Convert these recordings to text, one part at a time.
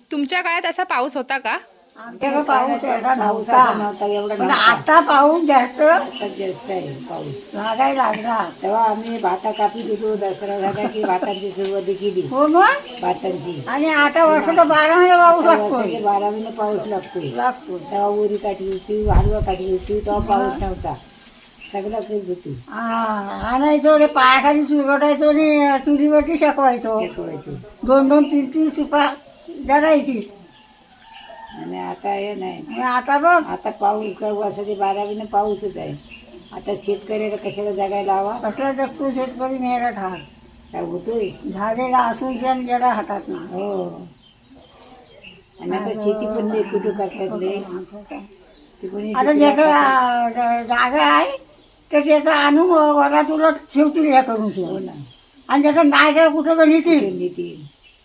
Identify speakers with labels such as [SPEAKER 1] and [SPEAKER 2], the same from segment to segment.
[SPEAKER 1] तुमच्या काळात असा पाऊस होता का?
[SPEAKER 2] आमच्याकडे पाऊस एवढा
[SPEAKER 3] पाऊस असा
[SPEAKER 2] नव्हता,
[SPEAKER 3] नव्हता, एवढा
[SPEAKER 2] पण
[SPEAKER 3] नव्हता.
[SPEAKER 2] आता पाऊस जास्त
[SPEAKER 3] आता जास्त आहे पाऊस.
[SPEAKER 2] लागायला लागला.
[SPEAKER 3] तेव्हा आम्ही भाता कापीत होतो. दसरा झाला की भातांची सुरुवात केली,
[SPEAKER 2] हो मग.
[SPEAKER 3] भातांची.
[SPEAKER 2] आणि आता वर्षाला 12 महिने पाऊस
[SPEAKER 3] आता
[SPEAKER 2] लागतोय.
[SPEAKER 3] वर्षाचे 12 महिने पाऊस लागतोय.
[SPEAKER 2] लागतो.
[SPEAKER 3] तेव्हा उरी काढली होती, हलवा काढली होती, तेव्हा पाऊस नव्हता. सगळं करीत होती.
[SPEAKER 2] आणायचो रे, पायाखाली सुरगटायचो आणि चुलीवरती शेकवायचो.
[SPEAKER 3] शिकवायची.
[SPEAKER 2] 2-2, 3-3 सुपा जरायची.
[SPEAKER 3] आणि आता हे नाही.
[SPEAKER 2] आणि आता बघ,
[SPEAKER 3] आता पाऊस काय वर्षाचे 12 महिने पाऊसच आहे. आता शेतकऱ्याला कशाला जगायला हवा?
[SPEAKER 2] कसला जगतो शेतकरी मेहनत ठार.
[SPEAKER 3] काय होतोय?
[SPEAKER 2] झालेला असून शेण गेला हातात ना.
[SPEAKER 3] हो. आणि आता शेती पण नाही कुठं करतात रे. ती कोणी
[SPEAKER 2] आता
[SPEAKER 3] शेतीला
[SPEAKER 2] ज्याचं जागा आहे तर त्याचं आणून वरा तुला ठेवतील ह्या करून
[SPEAKER 3] हो
[SPEAKER 2] शेण.
[SPEAKER 3] ना.
[SPEAKER 2] आणि ज्याचं नाही तर कुठं गणितील.
[SPEAKER 3] त्यांनी ती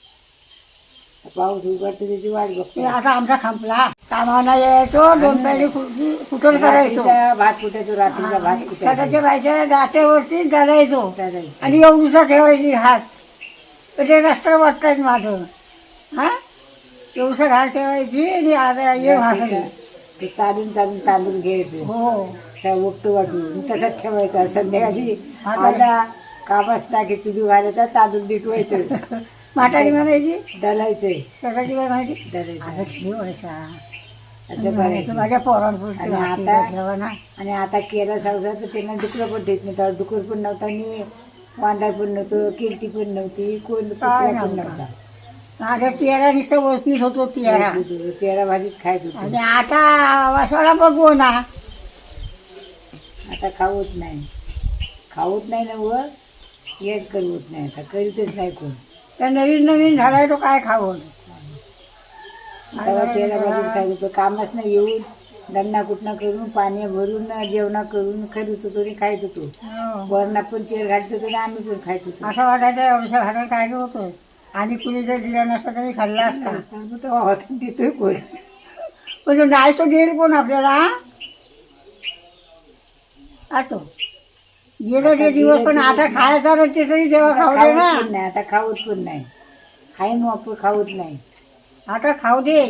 [SPEAKER 3] पाऊस उघडतो त्याची वाट
[SPEAKER 2] ते
[SPEAKER 3] बघतो.
[SPEAKER 2] आता आमचा खांपला. कामाला यायचो, 2 पैसे खुर्ची कुठं करायचो.
[SPEAKER 3] रात्रीचा भात कुठायचो, रात्रीचा भात कुठायचो.
[SPEAKER 2] सकाळच्या बायच्या दाट्यावरती डरायचो.
[SPEAKER 3] चालायचं.
[SPEAKER 2] आणि एवढूसा ठेवायची हात. तर ते रस्ता वाटतायत माझं. हा एवढूसा घास ठेवायची आणि आता ये भाकरी.
[SPEAKER 3] ते चालून चालून तांदूळ घ्यायचं.
[SPEAKER 2] हो.
[SPEAKER 3] उगतो वाटून तसंच ठेवायचा. संध्याकाळी आला कामास टाकी चुली घालायचा, तांदूळ बिटवायचं.
[SPEAKER 2] म्हातारी म्हणायची
[SPEAKER 3] दलायचंय.
[SPEAKER 2] सकाळची काय म्हणायची
[SPEAKER 3] दलायचं.
[SPEAKER 2] आता ठेवायचा.
[SPEAKER 3] असं करायचं.
[SPEAKER 2] माझ्या पोरांपुरती
[SPEAKER 3] आणि
[SPEAKER 2] भाकरी
[SPEAKER 3] आता
[SPEAKER 2] ठेवा ना.
[SPEAKER 3] आणि आता केला संसार तर त्यांना डुकरं पण देत नाही. तेव्हा डुकर पण नव्हता आणि वांदा पण नव्हतं, किरटी पण नव्हती, कोण
[SPEAKER 2] काय
[SPEAKER 3] कुत्रा पण
[SPEAKER 2] नव्हता.
[SPEAKER 3] नव्हता.
[SPEAKER 2] माझ्या तियारा नुसतं वरतीच होतो तियारा.
[SPEAKER 3] तेरा भाजीत खायच होतो.
[SPEAKER 2] आणि आता वासाला बघू ना.
[SPEAKER 3] आता खाऊत नाही. खाऊत नाही ना वर हेच करवत नाही. आता करीतच नाही कोण.
[SPEAKER 2] तर नवीन नवीन झालाय तो काय खावं.
[SPEAKER 3] तेव्हा तेरा भाजीत खायच होतो. कामच नाही, येऊन दन्ना कुटणा करून पाणी भरून जेवणा करून करीत होतो आणि खायत होतो.
[SPEAKER 2] हो.
[SPEAKER 3] वरणा पण चेर घालत होतो आणि आम्ही पण खायत होतो.
[SPEAKER 2] असं वाटायचं एवढ्या घरात काय होतं. आणि कुणी जर दिला नसता तरी खाल्ला असता.
[SPEAKER 3] तेव्हा हॉटेल देतोय कोण.
[SPEAKER 2] पण तो नाही तो देईल कोण आपल्याला. असो गेलो ते दिवस, पण आता खायचा तर ते तरी तेव्हा खाऊ दे ना.
[SPEAKER 3] खाऊत पण नाही. आता खाऊत पण नाही. हाय मग आपण खाऊत नाही.
[SPEAKER 2] आता खाऊ दे.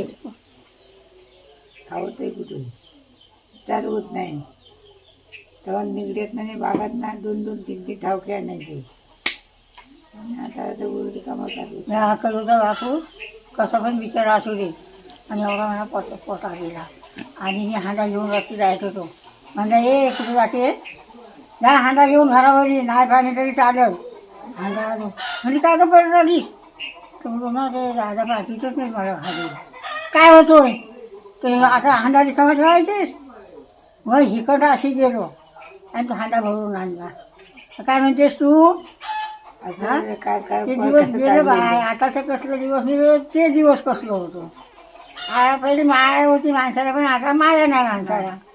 [SPEAKER 3] खाऊत आहे कुठून चालवत नाही. तेव्हा निगड्यात नाही बागात ना 2-2, 3-3 ठावके आणायचे. आणि आता उलटी कामं चालू.
[SPEAKER 2] हा करूचा बापू कसं पण बिचारा असू दे. आणि एवढा मला पोटा गेला. आणि मी हांडा घेऊन रात्री जायत होतो. म्हणलं ये कुठे जाते. नाही हांडा घेऊन घरावरी नाही पाणी तरी चालेल. हांडा आलो म्हणजे काय का परत आलीस. तर म्हणून ना ते दादा पाठीतच नाही मला खाली. काय होतोय तर आता हांडा रिकामा ठेवायचीस. मग हिकडं अशी गेलो आणि तो हांडा भरून आणला. काय म्हणतेस तू.
[SPEAKER 3] असं काय काय
[SPEAKER 2] ते दिवस गेले बाय. आताचं कसलं दिवस नाही ते दिवस कसलं होतं. पहिले माया होती माणसाला, पण आता माया नाही माणसाला.